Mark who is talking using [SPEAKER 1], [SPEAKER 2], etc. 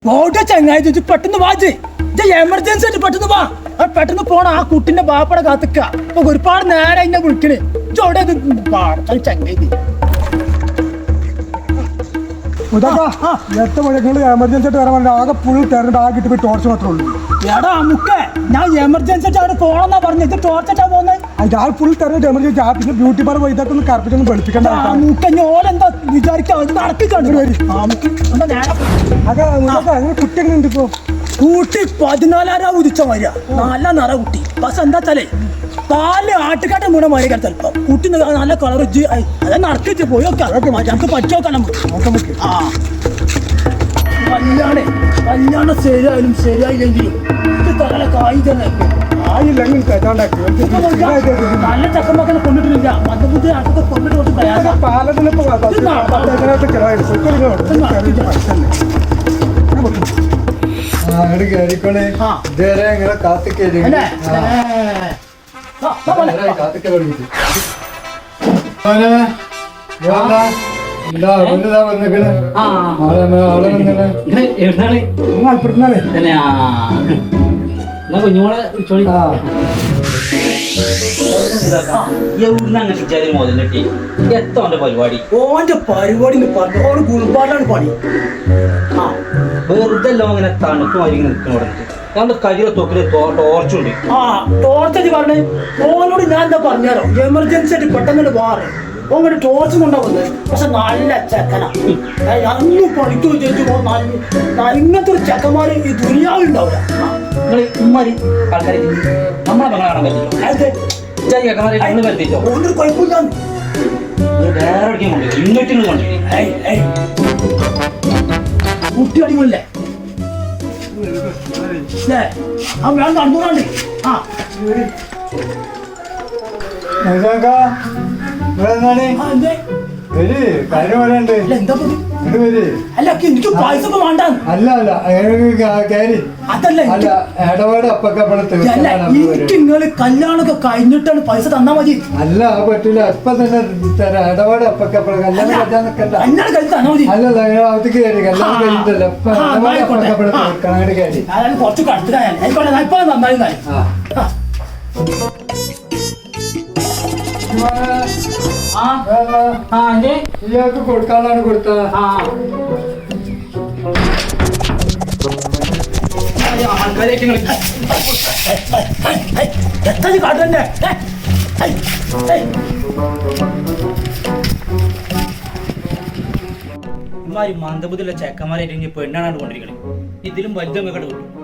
[SPEAKER 1] ഓടെ ചങ്ങായി പെട്ടെന്ന് വാജ് എമർജൻസി ആയിട്ട് പെട്ടെന്ന് വാ. പെട്ടെന്ന് പോണ ആ കുട്ടിന്റെ ബാപ്പടെ കാത്തിക്ക. അപ്പൊ ഒരുപാട് നേരം എന്നെ വിളിക്കണേ. ചോടെ ചങ്ങായി
[SPEAKER 2] എമർജൻസി ആയിട്ട് വരാൻ ആകെ ഫുൾ തെരഞ്ഞിട്ട് ആകെ കിട്ടി പോയി ടോർച്ച് മാത്രമേ ഉള്ളൂ.
[SPEAKER 1] എടാ അമുക്കേ, ഞാൻ എമർജൻസി ആയിട്ട് അവിടെ പോണെന്നാ പറഞ്ഞത്. ടോർച്ചാ പോകുന്നത്
[SPEAKER 2] ആ ഫുൾ തെരഞ്ഞിട്ട് എമർജൻസി. പിന്നെ ബ്യൂട്ടി പാർലർ പോയി ഇതൊക്കെ ഒന്ന് കറപ്പിച്ചൊന്നും പഠിപ്പിക്കണ്ട.
[SPEAKER 1] ഓലെന്താ വിചാരിക്കാ നടത്തിക്കാണ്
[SPEAKER 2] കുട്ടി എങ്ങനെ ഉണ്ട് ഇപ്പോ?
[SPEAKER 1] കൂട്ടി 14 ഉദിച്ച മരിയ നല്ല നിറ കുട്ടി. പക്ഷെ എന്താ വെച്ചാലേ പാല് ആട്ടുകാട്ടെ വീണ മാറി ചിലപ്പോ കുട്ടി നല്ല കളർ അതെ നടക്കിച്ച് പോയി ഞങ്ങൾക്ക് പറ്റുമോക്കാം നമുക്ക്. ആ കല്യാണം ശരിയായാലും ശരിയായില്ലെങ്കിലും തല കായി തന്നെ നല്ല ചക്കമ്പക്കനെ കൊണ്ടിട്ടില്ല. മദ്യബുദ്ധി ആട്ടൊക്കെ കൊണ്ടിട്ട് കുറച്ച് പ്രയാസം.
[SPEAKER 3] കുഞ്ഞുമോളെ മുതലിട്ടി എത്തോന്റെ പരിപാടി.
[SPEAKER 1] ഓന്റെ പരിപാടി പറഞ്ഞു ഗുൾപാടാണ് പണി.
[SPEAKER 3] വെറുതെ ലോങ്ങനെ തണുപ്പ് മരിങ്ങനെ നിൽക്കണം പറഞ്ഞിട്ട് ഞങ്ങളുടെ കരിയുടെ തൊക്കില് ടോർച്ചുണ്ട്.
[SPEAKER 1] ആ ടോർച്ച് പറഞ്ഞേ ഓനോട് ഞാൻ എന്താ പറഞ്ഞാലോ എമർജൻസി ആയിട്ട് പെട്ടെന്ന് മാറി ഓങ്ങോട്ട് ടോർച്ച് കൊണ്ടാ വന്നത്. പക്ഷെ നല്ല ചെക്കന അന്ന് പണിക്കോ ചേച്ചി ഇങ്ങനത്തെ ഒരു ചെക്കന്മാര് ഈ ദുനിയാവുണ്ടാവില്ല.
[SPEAKER 3] നിങ്ങൾ ഉമ്മാരി ആൾക്കാരെ നമ്മളെ മകളെ കാണാൻ പറ്റില്ലോ. ചെക്കന്മാരെ കണ്ണ് പറ്റിച്ചോ
[SPEAKER 1] ഓനൊരു കുഴപ്പമില്ല.
[SPEAKER 3] വേറെ എവിടേക്കും കൊണ്ടില്ല ഇങ്ങോട്ടും കൊണ്ടില്ല.
[SPEAKER 1] കുട്ടി അടിമല്ലേ ആ വേണം നടന്നുകൊണ്ടേ. ആ എന്താ അല്ല എനിക്ക് പൈസ വേണ്ടാന്ന്. അതല്ല എനിക്ക് നിങ്ങള് കല്യാണൊക്കെ കഴിഞ്ഞിട്ടാണ് പൈസ തന്നാ മതി.
[SPEAKER 2] അല്ല പറ്റില്ല ഇപ്പൊ തന്നെ ഇടപാട് അപ്പക്കപ്പഴ കല്യാണം
[SPEAKER 1] കല്യാണം കഴിഞ്ഞ് തന്നാ മതി. അതായത് കുറച്ച് കടത്തിലാണ് ആയിക്കോട്ടെ. ഇപ്പൊ നന്നായി
[SPEAKER 2] ഇയാൾക്ക് കൊടുക്കാനാണ് കൊടുത്ത
[SPEAKER 1] കാട്ടന്നെ
[SPEAKER 3] മന്ദബുദ്ധിയുള്ള ചെക്കന്മാരെ പെണ്ണാണ് കൊണ്ടിരിക്കണേ. ഇതിലും വലുതൊക്കെ കിട്ടും.